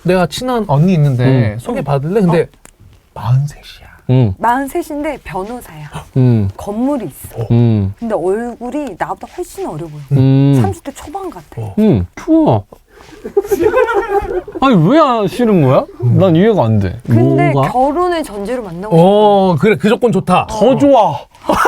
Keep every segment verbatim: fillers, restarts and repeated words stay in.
내가 친한 언니 있는데 음. 소개받을래? 근데 어? 마흔셋이야. 음. 마흔셋인데 변호사야. 음. 건물이 있어. 음. 근데 얼굴이 나보다 훨씬 어려 보여. 음. 삼십 대 초반 같아. 어. 음. 좋아. 아니 왜 안 싫은 거야? 난 이해가 안 돼. 근데 뭐가? 결혼을 전제로 만나고 어, 그래. 그 조건 좋다. 더 좋아.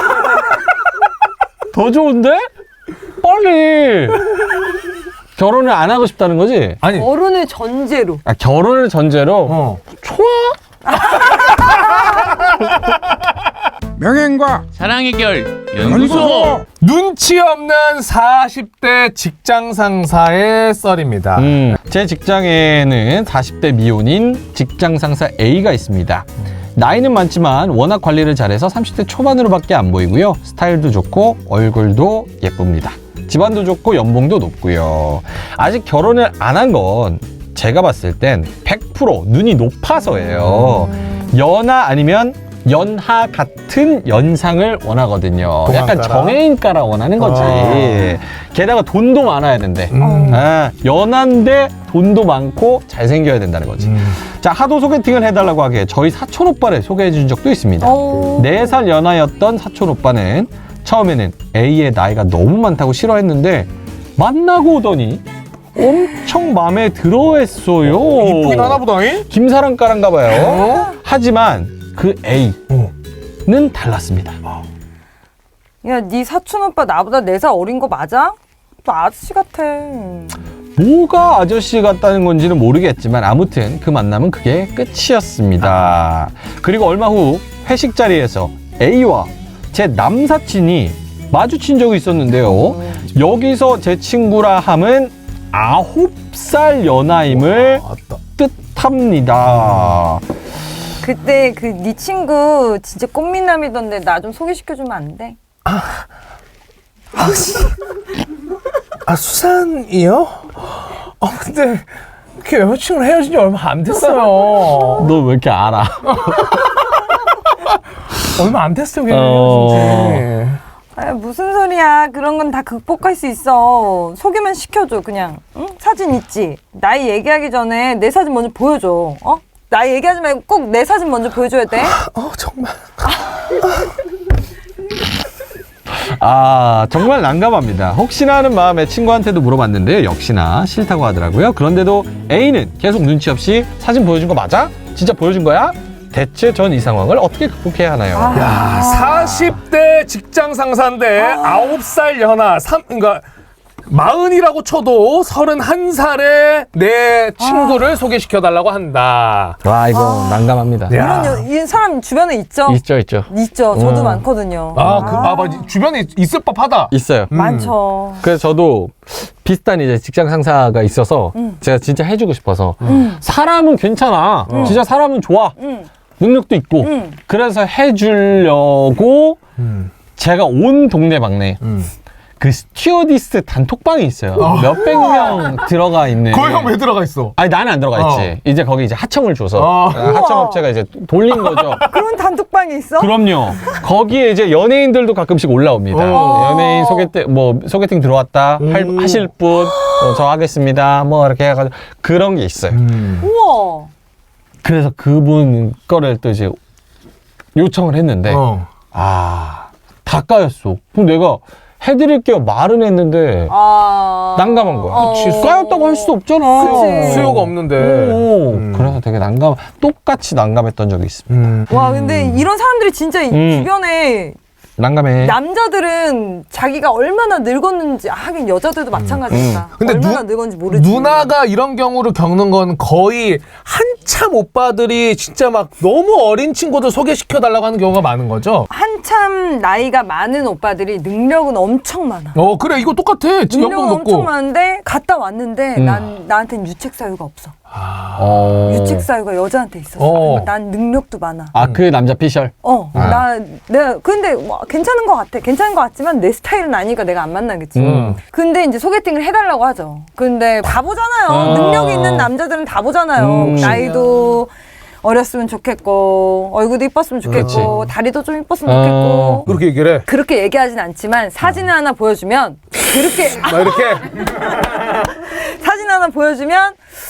더 좋은데? 빨리. 결혼을 안 하고 싶다는 거지? 아니, 결혼을 전제로. 아, 결혼을 전제로? 어. 좋아. 명예과 사랑 해결 연구소. 눈치 없는 사십 대 직장 상사의 썰입니다. 음, 제 직장에는 사십 대 미혼인 직장 상사 A가 있습니다. 나이는 많지만 워낙 관리를 잘해서 삼십 대 초반으로밖에 안 보이고요. 스타일도 좋고 얼굴도 예쁩니다. 집안도 좋고 연봉도 높고요. 아직 결혼을 안 한 건 제가 봤을 땐 백 퍼센트 눈이 높아서예요. 연하 아니면 연하 같은 연상을 원하거든요. 약간 동안가라? 정해인가라 원하는 거지. 어. 게다가 돈도 많아야 된대. 음. 아, 연한데 돈도 많고 잘생겨야 된다는 거지. 음. 자, 하도 소개팅을 해달라고 하기에 저희 사촌 오빠를 소개해 준 적도 있습니다. 어. 네 살 연하였던 사촌 오빠는 처음에는 A의 나이가 너무 많다고 싫어했는데 만나고 오더니 엄청 마음에 들어 했어요. 이쁘긴 하나 보다잉? 김사랑가란가 봐요. 어? 하지만 그 A는 어. 달랐습니다. 야, 네 사촌 오빠 나보다 네 살 어린 거 맞아? 또 아저씨 같아. 뭐가 아저씨 같다는 건지는 모르겠지만 아무튼 그 만남은 그게 끝이었습니다. 그리고 얼마 후 회식 자리에서 A와 제 남사친이 마주친 적이 있었는데요. 여기서 제 친구라 함은 아홉 살 연하임을 맞다. 뜻합니다. 그때 그 네 친구 진짜 꽃미남이던데 나 좀 소개시켜주면 안 돼? 아, 수산이요? 아, 근데 그 여자친구랑 헤어진 지 얼마 안 됐어요. 너 왜 이렇게 알아? 얼마 안 됐어요, 그냥 어. 헤어진 지. 아, 무슨 소리야. 그런 건 다 극복할 수 있어. 소개만 시켜줘 그냥. 응? 사진 있지? 나이 얘기하기 전에 내 사진 먼저 보여줘. 어? 나이 얘기하지 말고 꼭 내 사진 먼저 보여줘야 돼. 어, 정말. 아, 정말 난감합니다. 혹시나 하는 마음에 친구한테도 물어봤는데 역시나 싫다고 하더라고요. 그런데도 A는 계속 눈치 없이 사진 보여준 거 맞아? 진짜 보여준 거야? 대체 전 이 상황을 어떻게 극복해야 하나요? 아. 야, 사십 대 직장 상사인데 아홉 살 연하, 삼, 그러니까 마흔이라고 쳐도 서른한 살의 내 친구를 소개시켜달라고 한다. 와, 이거 난감합니다. 야. 이런 여, 이 사람 주변에 있죠? 있죠, 있죠. 있죠. 저도 음. 많거든요. 아, 그, 아, 맞지. 주변에 있을 법하다. 있어요. 음. 많죠. 그래서 저도 비슷한 이제 직장 상사가 있어서 음. 제가 진짜 해주고 싶어서 음. 사람은 괜찮아. 진짜 사람은 좋아. 응. 능력도 있고. 응. 그래서 해주려고 음. 제가 온 동네방네 음. 그 스튜어디스 단톡방이 있어요. 몇백 명 들어가 있는. 거기 형 왜 들어가 있어? 아니 나는 안 들어가 있지. 이제 거기 이제 하청을 줘서 어. 하청업체가 이제 돌린 거죠. 그런 단톡방이 있어? 그럼요. 거기에 이제 연예인들도 가끔씩 올라옵니다. 어. 연예인 소개팅 뭐 소개팅 들어왔다 할, 음. 하실 분, 어, 저 하겠습니다. 뭐 이렇게 해가지고 그런 게 있어요. 음. 우와. 그래서 그분 거를 또 이제 요청을 했는데 어. 아, 다 까였어. 그럼 내가 해드릴게요 말은 했는데 아. 난감한 거야. 어. 그치, 까였다고 할 수도 없잖아. 그치. 수요가 없는데. 오, 음. 그래서 되게 난감, 똑같이 난감했던 적이 있습니다. 음. 와, 근데 이런 사람들이 진짜 이 음. 주변에 난감해. 남자들은 자기가 얼마나 늙었는지, 아, 하긴 여자들도 마찬가지다. 근데 얼마나 누- 늙었는지 모르지. 누나가 이런 경우를 겪는 건 거의 한참 오빠들이 진짜 막 너무 어린 친구들 소개시켜달라고 하는 경우가 많은 거죠? 한참 나이가 많은 오빠들이 능력은 엄청 많아. 어, 그래. 이거 똑같아. 지금 연봉 능력은 엄청 높고. 많은데 갔다 왔는데 음. 난 나한테는 유책 사유가 없어. 어. 유책 사유가 여자한테 있었어. 어. 그러니까 난 능력도 많아. 아, 그 남자 피셜? 어, 아. 나, 내가, 근데 뭐 괜찮은 것 같아. 괜찮은 것 같지만 내 스타일은 아니니까 내가 안 만나겠지. 음. 근데 이제 소개팅을 해달라고 하죠. 근데 다 보잖아요. 아. 능력이 있는 남자들은 다 보잖아요. 음. 나이도 어렸으면 좋겠고, 얼굴도 이뻤으면 좋겠고, 다리도 좀 이뻤으면 아. 좋겠고. 그렇게 얘기를 해. 그렇게 얘기하진 않지만 사진을 하나 보여주면, 그렇게, 막 이렇게. 사진 하나 보여주면,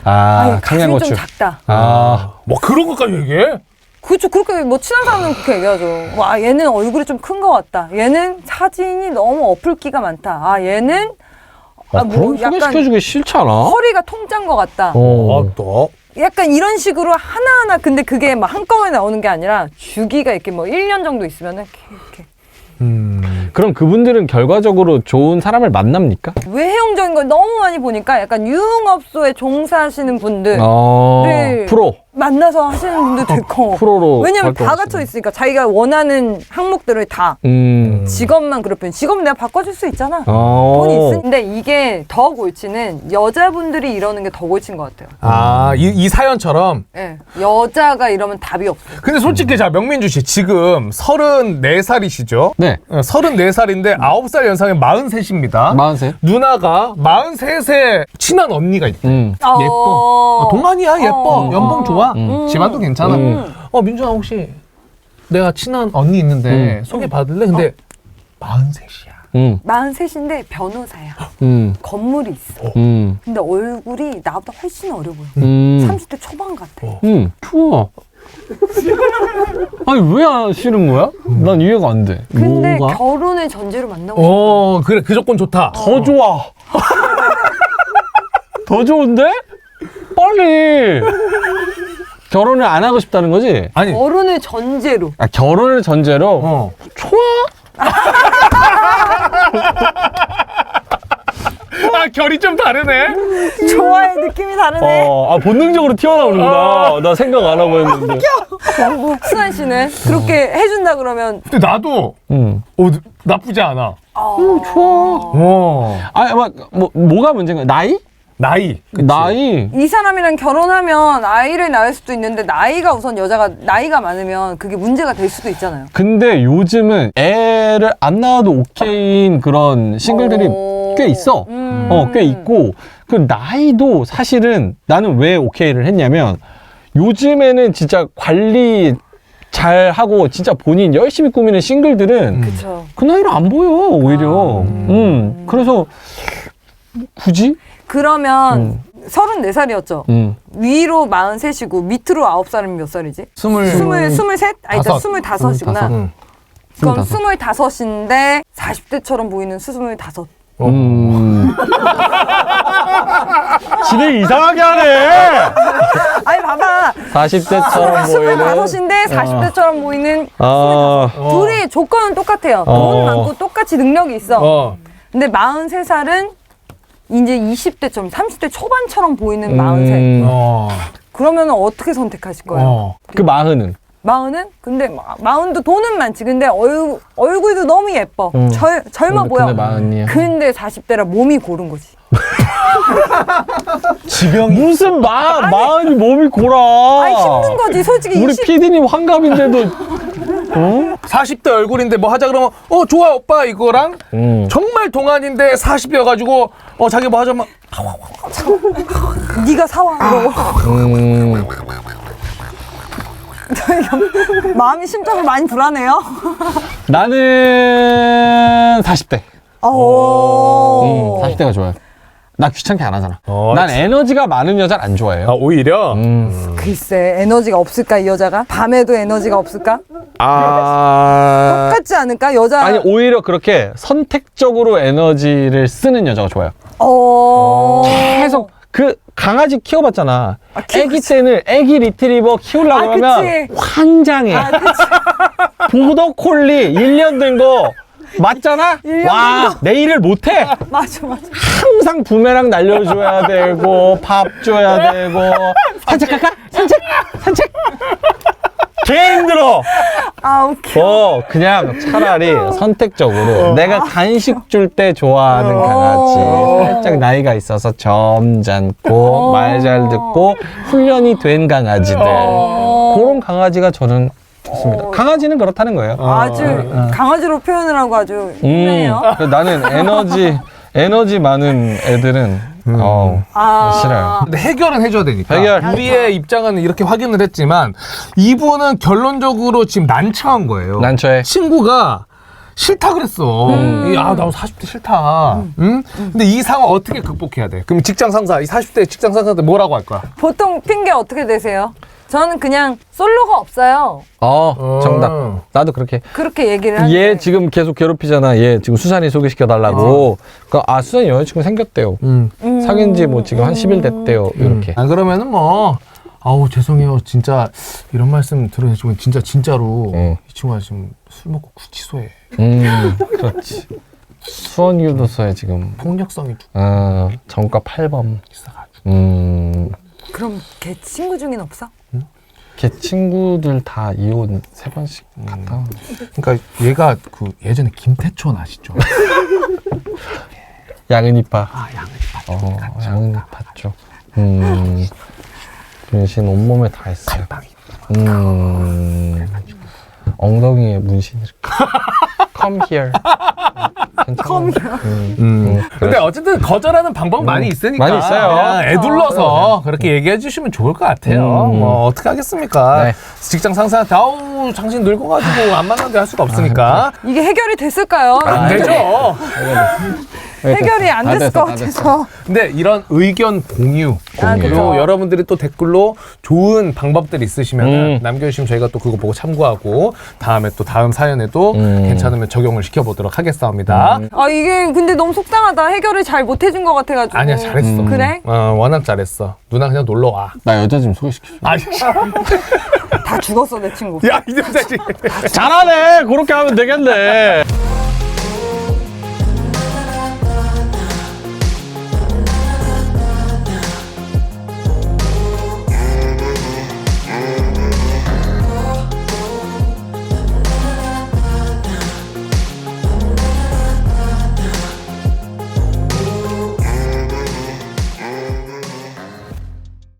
아, 아니, 가슴이 좀 청양고추. 작다. 아, 뭐 그런 것까지 얘기해? 그렇죠. 그렇게 뭐 친한 사람은 그렇게 얘기하죠. 와, 얘는 얼굴이 좀 큰 것 같다. 얘는 사진이 너무 어플기가 많다. 아, 얘는 아, 아, 뭐 그럼 소개시켜주기 싫지 않아? 허리가 통짠 것 같다. 어. 아, 또? 약간 이런 식으로 하나하나 근데 그게 막 한꺼번에 나오는 게 아니라 주기가 이렇게 뭐 일 년 정도 있으면은 이렇게, 이렇게. 음. 그럼 그분들은 결과적으로 좋은 사람을 만납니까? 외형적인 걸 너무 많이 보니까 약간 유흥업소에 종사하시는 분들 어, 네. 프로. 만나서 하시는 분들도 있고 프로로. 왜냐면 다 활동하시는. 갖춰 있으니까 자기가 원하는 항목들을 다 음. 직업만 그렇군 직업은 내가 바꿔줄 수 있잖아. 어. 돈이 있는데 이게 더 골치는 여자분들이 이러는 게 더 골친 것 같아요. 아, 이, 이 사연처럼. 예, 여자가 이러면 답이 없어요. 근데 솔직히 자, 명민주 씨 지금 서른네 살이시죠? 네. 서른네 살인데 아홉 살 연상의 마흔셋입니다. 마흔셋. 누나가 마흔셋에 친한 언니가 있대. 음. 예뻐. 아, 동안이야, 예뻐. 어. 연봉 좋아. 음. 집안도 괜찮아. 음. 어, 민준아, 혹시 내가 친한 언니 있는데 음. 소개받을래? 근데 마흔셋이야. 음. 마흔셋인데 변호사야. 음. 건물이 있어. 음. 근데 얼굴이 나보다 훨씬 어려 보여. 음. 삼십 대 초반 같아. 음. 추워. 아니, 왜 안 싫은 거야? 난 이해가 안 돼. 근데 뭐가? 결혼을 전제로 만나고 어, 그래. 그 조건 좋다. 더 좋아. 더 좋은데? 빨리. 결혼을 안 하고 싶다는 거지? 아니, 싶어. 결혼을 전제로. 아, 결혼을 전제로? 어. 좋아. 아, 결이 좀 다르네. 좋아의 느낌이 다르네. 어, 아, 본능적으로 튀어나오는구나. 나 생각 안 하고 했는데. 수환 씨는 그렇게 해준다 그러면 근데 나도 음. 어, 나쁘지 않아. 어... 좋아. 어. 아, 막, 뭐, 뭐가 문제인가? 나이? 나이. 그치? 나이? 이 사람이랑 결혼하면 아이를 낳을 수도 있는데 나이가 우선 여자가 나이가 많으면 그게 문제가 될 수도 있잖아요. 근데 요즘은 애를 안 낳아도 오케이인 그런 싱글들이 어... 꽤 있어. 음... 어, 꽤 있고. 그 나이도 사실은 나는 왜 오케이를 했냐면 요즘에는 진짜 관리 잘 하고 진짜 본인 열심히 꾸미는 싱글들은 그쵸. 그 나이로 안 보여, 오히려. 음. 그래서 굳이? 그러면 음. 서른네 살이었죠. 음. 위로 마흔셋이고 밑으로 아홉 살이면 몇 살이지? 스물. 스물, 스물셋? 아니, 다섯. 스물다섯이구나. 스물다섯. 응. 그럼 스물다섯. 스물다섯인데 사십 대처럼 보이는 스물다섯. 음. 진행 이상하게 하네! 아니, 봐봐. 사십 대처럼 보이는. 스물다섯인데 사십 대처럼 보이는 아, 어. 둘이 조건은 똑같아요. 어. 돈 많고 똑같이 능력이 있어. 어. 근데 마흔세 살은 이제 이십 대처럼 삼십 대 초반처럼 보이는 음. 마흔세. 어. 그러면 어떻게 선택하실 거예요? 어. 그 마흔은? 마흔은? 근데 마- 마흔도 돈은 많지. 근데 얼, 얼굴도 너무 예뻐. 음. 젊, 젊어 근데- 보여. 근데 마흔이야. 근데 사십 대라 몸이 고른 거지. 지병이. 무슨 마, 마흔이 몸이 골아. 아니 힘든 거지. 솔직히 우리 이십 피디님 환갑인데도. 어? 사십 대 얼굴인데 뭐 하자 그러면 어 좋아 오빠 이거랑 음. 정말 동안인데 사십이어가지고 어 자기 뭐 하자면 네가 사와. 이러고. 음. 마음이 심적으로 많이 불안해요. 나는 사십 대. 오. 음, 사십 대가 좋아요. 나 귀찮게 안 하잖아. 어, 난 에너지가 많은 여자를 안 좋아해요. 아 오히려 음. 글쎄 에너지가 없을까 이 여자가? 밤에도 에너지가 없을까? 아. 똑같지 않을까? 여자. 아니, 오히려 그렇게 선택적으로 에너지를 쓰는 여자가 좋아요. 어. 계속 그 강아지 키워봤잖아. 아, 키워봤지. 애기 때는 애기 리트리버 키우려고 아, 하면 그치. 환장해. 아, 그치. 보더콜리 일 년 된 거 맞잖아? 일 년 와, 내 일을 못해. 맞아 맞아. 항상 부메랑 날려줘야 되고, 밥 줘야 되고. 산책 갈까? 산책? 산책? 개 힘들어. 아 웃겨. 어, 그냥 차라리 선택적으로 내가 간식 줄 때 좋아하는 강아지. 살짝 나이가 있어서 점잖고, 말 잘 듣고, 훈련이 된 강아지들. 그런 강아지가 저는 좋습니다. 강아지는 그렇다는 거예요. 아주 강아지로 표현을 하고 아주 음, 힘내요. 그래서 나는 에너지, 에너지 많은 애들은, 어, 아. 싫어요. 근데 해결은 해줘야 되니까. 해결. 우리의 입장은 이렇게 확인을 했지만 이분은 결론적으로 지금 난처한 거예요. 난처해. 친구가 싫다 그랬어. 이, 아, 나 사십 대 싫다. 응? 근데 이 상황 어떻게 극복해야 돼? 그럼 직장 상사, 이 사십 대 직장 상사한테 뭐라고 할 거야? 보통 핑계 어떻게 되세요? 저는 그냥 솔로가 없어요. 어, 정답. 나도 그렇게. 그렇게 얘기를 하는데. 얘 지금 계속 괴롭히잖아. 얘 지금 수산이 소개시켜달라고. 그러니까 아, 수산이 여자친구 생겼대요. 음. 사귄 지 뭐 지금 한 십 일 됐대요. 이렇게. 안 그러면은 뭐, 아우, 죄송해요. 진짜 이런 말씀 들으시면 진짜, 진짜로 어. 이 친구가 지금 술 먹고 구치소에 음, 그렇지. 수원교도소에 지금, 폭력성이 쭉 어, 정가 팔 범. 있어가지고. 음, 그럼 걔 친구 중엔 없어? 걔 친구들 다 이혼 세 번씩 갔다. 그러니까 얘가 그 예전에 김태촌 아시죠? 양은이파. 아, 양은이파. 어, 양은이파 쪽. 음, 문신 온몸에 다 했어요. 빵이. 음, 엉덩이에 문신 이렇게. Come here. Come here. 음, 음, 근데 어쨌든 거절하는 방법 많이 있으니까 많이 있어요. 그냥 애둘러서 그렇게 얘기해 주시면 좋을 것 같아요. 음. 뭐 어떻게 하겠습니까? 네. 직장 상사한테 아우 당신 늙어가지고 안 만나게 할 수가 없으니까 이게 해결이 됐을까요? 안 되죠. 해결이 안 다 됐을 됐어, 것 다 됐어. 같아서. 근데 이런 의견 공유 아, 공유. 그죠. 그리고 여러분들이 또 댓글로 좋은 방법들 있으시면 음. 남겨주시면 저희가 또 그거 보고 참고하고 다음에 또 다음 사연에도 음. 괜찮으면 적용을 시켜보도록 하겠습니다. 아 이게 근데 너무 속상하다. 해결을 잘 못 해준 것 같아가지고. 아니야 잘했어. 그래? 어, 워낙 잘했어. 누나 그냥 놀러 와. 나 여자 좀 소개시켜. 아니, 다 죽었어 내 친구. 야, 이 남자지. 잘하네. 그렇게 하면 되겠네.